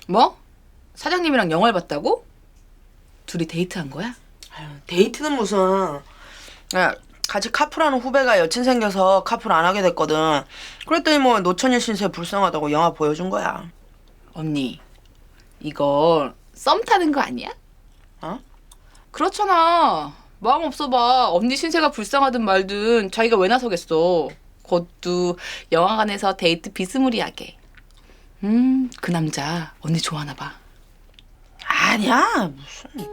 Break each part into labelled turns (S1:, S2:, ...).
S1: 뭐? 사장님이랑 영화를 봤다고? 둘이 데이트한 거야?
S2: 아유, 데이트는 무슨. 야, 같이 카풀하는 후배가 여친 생겨서 카풀 안 하게 됐거든. 그랬더니 뭐 노처녀 신세 불쌍하다고 영화 보여준 거야.
S1: 언니, 이거 썸 타는 거 아니야?
S2: 어?
S1: 그렇잖아. 마음 없어봐. 언니 신세가 불쌍하든 말든 자기가 왜 나서겠어. 그것도 영화관에서 데이트 비스무리하게. 그 남자 언니 좋아하나 봐.
S2: 아니야, 무슨.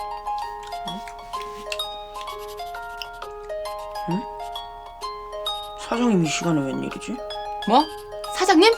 S2: 응? 사장님 이 시간에 웬일이지?
S1: 뭐? 사장님?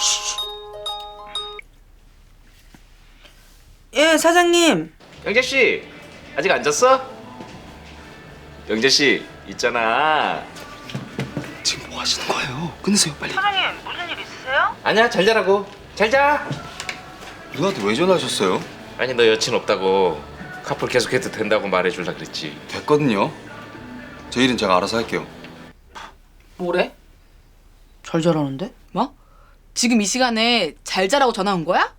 S2: 예, 사장님.
S3: 영재 씨 아직 안 잤어? 영재 씨 있잖아.
S4: 지금 뭐 하시는 거예요? 끊으세요 빨리.
S2: 사장님, 무슨 일 있으세요?
S3: 아니야 잘 자라고. 잘 자.
S4: 누나한테 왜 전화하셨어요?
S3: 아니 너 여친 없다고 카풀 계속해도 된다고 말해줄라 그랬지.
S4: 됐거든요. 제 일은 제가 알아서 할게요.
S1: 뭐래?
S2: 잘 자라는데?
S1: 뭐? 지금 이 시간에 잘 자라고 전화 온 거야?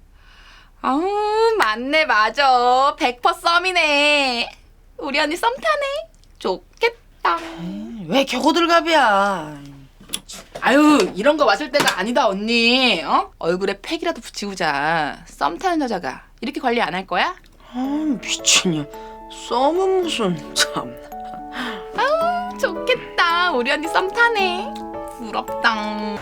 S1: 아우 맞네 맞아 100% 썸이네. 우리 언니 썸 타네. 좋겠다.
S2: 왜 겨고들갑이야.
S1: 아유 이런 거 마실 때가 아니다 언니. 어? 얼굴에 팩이라도 붙이고 자. 썸 타는 여자가 이렇게 관리 안 할 거야?
S2: 아, 미친년. 썸은 무슨, 참.
S1: 좋겠다. 우리 언니 썸 타네. 부럽다.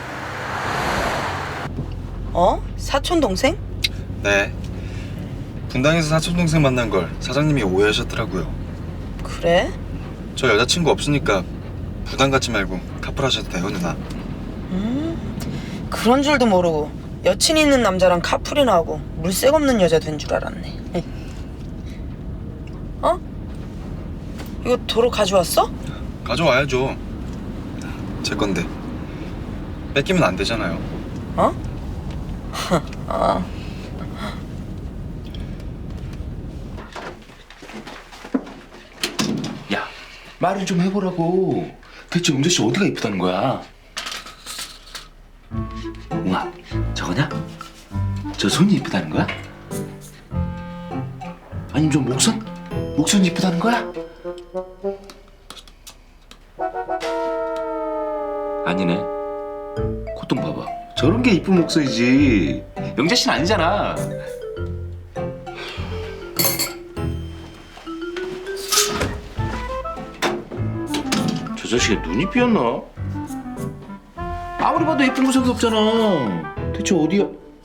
S2: 어? 사촌 동생?
S4: 네. 분당에서 사촌 동생 만난 걸 사장님이 오해하셨더라고요.
S2: 그래?
S4: 저 여자친구 없으니까 부담 갖지 말고 카풀하셔도 돼요 누나.
S2: 그런 줄도 모르고 여친 있는 남자랑 카풀이나 하고 물색 없는 여자 된 줄 알았네. 어? 이거 도로 가져왔어?
S4: 가져와야죠. 제 건데 뺏기면 안 되잖아요.
S2: 어? 아,
S3: 야 말을 좀 해보라고. 대체 영재 씨 어디가 이쁘다는 거야? 웅아 저거냐? 저 손이 이쁘다는 거야? 아니면 저 목선? 목선이 이쁘다는 거야? 아니네. 콧등 봐봐. 저런 게 이쁜 목소리지. 영재 씨는 아니잖아. 저 자식이 눈이 삐었나? 아무리 봐도 예쁜 구석이 없잖아. 대체 어디야?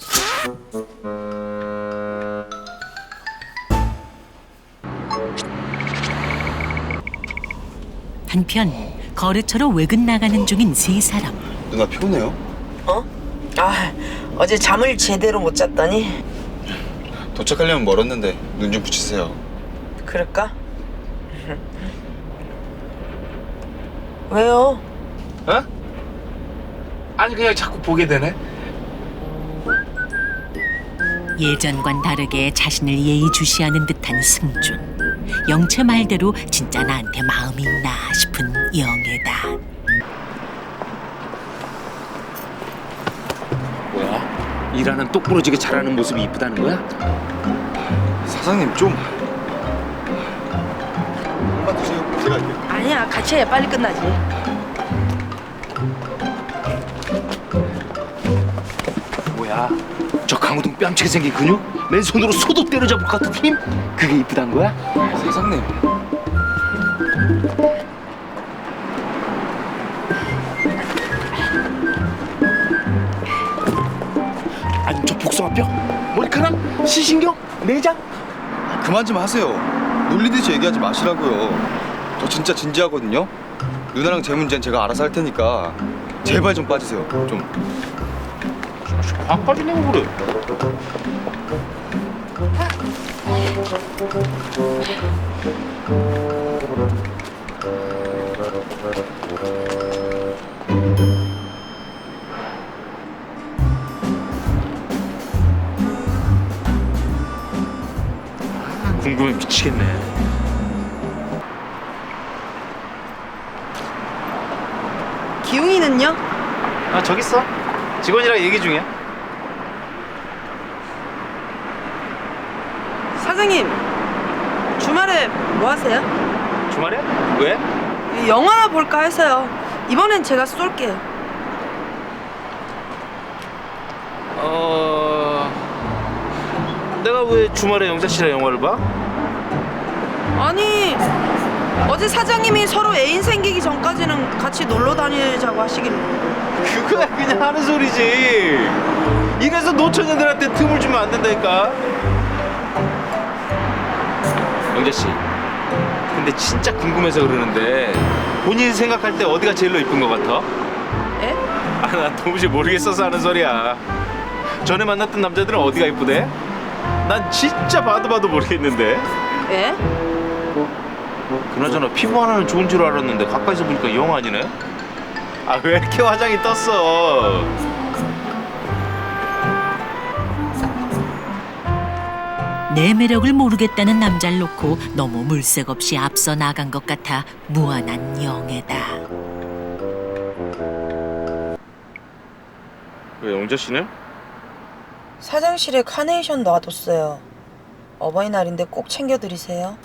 S5: 한편 거래처로 외근 나가는 중인 세 사람.
S4: 누나 피곤해요?
S2: 어? 아, 어제 잠을 제대로 못 잤더니.
S4: 도착하려면 멀었는데 눈 좀 붙이세요.
S2: 그럴까? 왜요?
S3: 어? 아니 그냥 자꾸 보게 되네.
S5: 예전과는 다르게 자신을 예의주시하는 듯한 승준. 영채 말대로 진짜 나한테 마음이 있나 싶은 영애다.
S3: 뭐야? 일하는 똑부러지게 잘하는 모습이 이쁘다는 거야?
S4: 사장님 좀. 한번 드세요. 제가 할게요.
S2: 아니야, 같이 해. 빨리 끝나지.
S3: 뭐야? 저 강호동 뺨치게 생긴 근육? 맨손으로 소도 때려잡을 것 같은 힘? 그게 이쁘단 거야?
S4: 사장님.
S3: 아니 저 복숭아뼈? 머리카락? 시신경? 내장?
S4: 그만 좀 하세요. 놀리듯이 얘기하지 마시라고요. 저 진짜 진지하거든요. 누나랑 제 문제는 제가 알아서 할 테니까 제발 좀 빠지세요. 좀.
S3: 화까지 내고 그래. 궁금해 미치겠네.
S2: 기웅이는요?
S3: 아 저기 있어. 직원이랑 얘기 중이야.
S2: 사장님, 주말에 뭐 하세요?
S3: 주말에? 왜?
S2: 영화나 볼까 해서요. 이번엔 제가 쏠게요.
S3: 내가 왜 주말에 영자 씨랑 영화를 봐?
S2: 아니, 어제 사장님이 서로 애인 생기기 전까지는 같이 놀러 다니자고 하시길래.
S3: 그거야 그냥 하는 소리지. 이래서 노처녀들한테 틈을 주면 안 된다니까. 영자 씨, 근데 진짜 궁금해서 그러는데 본인이 생각할 때 어디가 제일로 이쁜 것 같아?
S2: 에?
S3: 나 도무지 모르겠어서 하는 소리야. 전에 만났던 남자들은 어디가 이쁘대? 난 진짜 봐도 모르겠는데.
S2: 에?
S3: 그나저나 피부 하나는 좋은 줄 알았는데 가까이서 보니까 영 아니네? 아 왜 이렇게 화장이 떴어?
S5: 내 매력을 모르겠다는 남자를 놓고 너무 물색 없이 앞서 나간 것 같아 무안한 영애다.
S3: 왜 영자 씨는?
S2: 사장실에 카네이션 놔뒀어요. 어버이날인데 꼭 챙겨드리세요.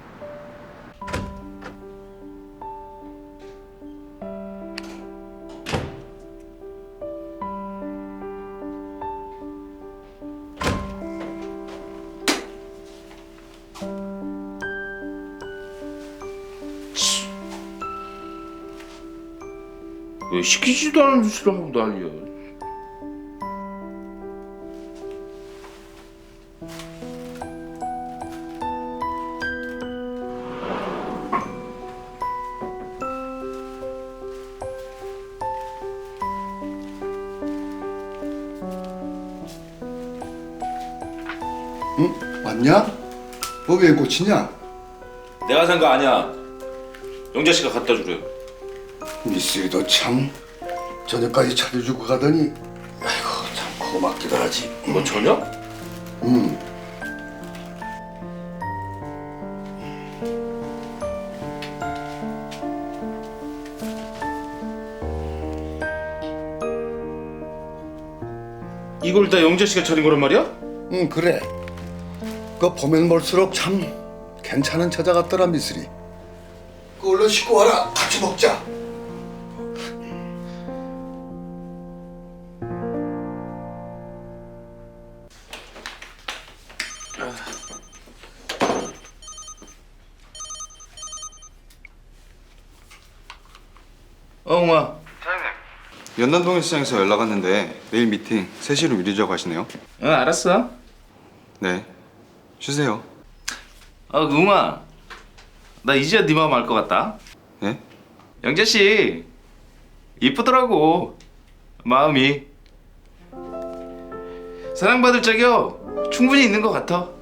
S3: 왜 시키지도 않은 짓을 하고 난리야.
S6: 응? 왔냐? 왜 고치냐?
S3: 내가 산 거 아니야. 영자 씨가 갖다 주래요.
S6: 미쓰리도 참 저녁까지 차려주고 가더니 아이고 참 고맙기도 하지.
S3: 뭐 저녁?
S6: 응.
S3: 이걸 다 영자 씨가 차린 거란 말이야?
S6: 응 그래. 그 보면 볼수록 참 괜찮은 처자 같더라 미쓰리. 그 얼른 씻고 와라. 같이 먹자.
S3: 엉아.
S4: 연남동일 시장에서 연락 왔는데 내일 미팅 3시로 미루자고 하시네요.
S3: 응 알았어.
S4: 네. 쉬세요.
S3: 웅아. 나 이제야 네 마음 알 것 같다.
S4: 네?
S3: 영자 씨 이쁘더라고. 마음이 사랑받을 적이요 충분히 있는 것 같아.